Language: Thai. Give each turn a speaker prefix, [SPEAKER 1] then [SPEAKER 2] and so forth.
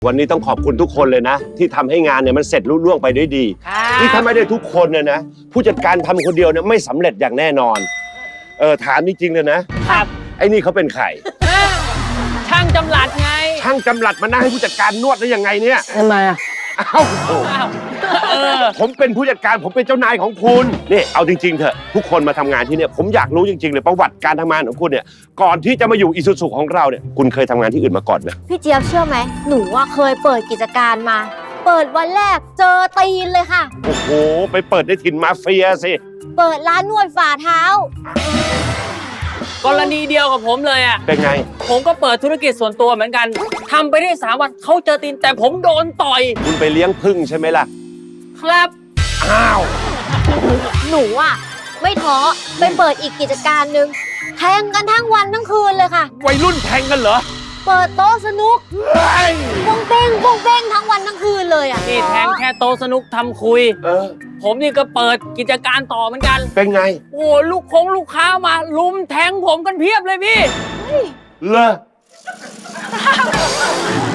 [SPEAKER 1] วันนี้ต้องขอบคุณทุกคนเลยนะที่ทำให้งานเนี่ยมันเสร็จลุล่วงไปด้วยดีที่ถ้าไม่ได้ทุกคนเนี่ยนะผู้จัดการทำคนเดียวเนี่ยไม่สำเร็จอย่างแน่นอนถามจริงๆเลยนะครับไอ้นี่เขาเป็นใคร
[SPEAKER 2] ช่างจำหลัดไง
[SPEAKER 1] ช่างจำหลัดมานั่งให้ผู้จัดการนวดได้ยังไงเนี่ย
[SPEAKER 2] ทำไมอ่ะ
[SPEAKER 1] อ้าวผมเป็นผู้จัดการผมเป็นเจ้านายของคุณนี่เอาจริงๆเถอะทุกคนมาทำงานที่เนี่ยผมอยากรู้จริงๆเลยประวัติการทำงานของคุณเนี่ยก่อนที่จะมาอยู่อิซูซุของเราเนี่ยคุณเคยทำงานที่อื่นมาก่อนไหม
[SPEAKER 3] พี่เจี๊ยบเชื่อไหมหนูว่าเคยเปิดกิจการมาเปิดวันแรกเจอตีนเลยค่ะ
[SPEAKER 1] โอ้โหไปเปิดในถิ่นมาเฟียสิ
[SPEAKER 3] เปิดร้านนวดฝ่าเท้าก
[SPEAKER 2] รณีเดียวกับผมเลยอ่ะ
[SPEAKER 1] เป็นไง
[SPEAKER 2] ผมก็เปิดธุรกิจส่วนตัวเหมือนกันทำไปได้3 วันเขาเจอตีนแต่ผมโดนต่อย
[SPEAKER 1] คุณไปเลี้ยงผึ้งใช่ไหมล่ะ
[SPEAKER 2] ครับ
[SPEAKER 1] อ้าว
[SPEAKER 3] หนูอ่ะไม่ท้อไปเปิดอีกกิจการหนึ่งแทงกันทั้งวันทั้งคืนเลยค่ะ
[SPEAKER 1] วัยรุ่นแทงกันเหรอ
[SPEAKER 3] เปิดโต๊ะสนุกป้งเป้งป้งเป้งทั้งวันทั้งคืนเลยอ่ะ
[SPEAKER 2] นี่แทงแค่โต๊ะสนุกทำคุยผมนี่ก็เปิดกิจการต่อเหมือนกัน
[SPEAKER 1] เป็นไง
[SPEAKER 2] โอ้ลูกค้ามาลุมแทงผมกันเพียบเลยพี่
[SPEAKER 1] เลอ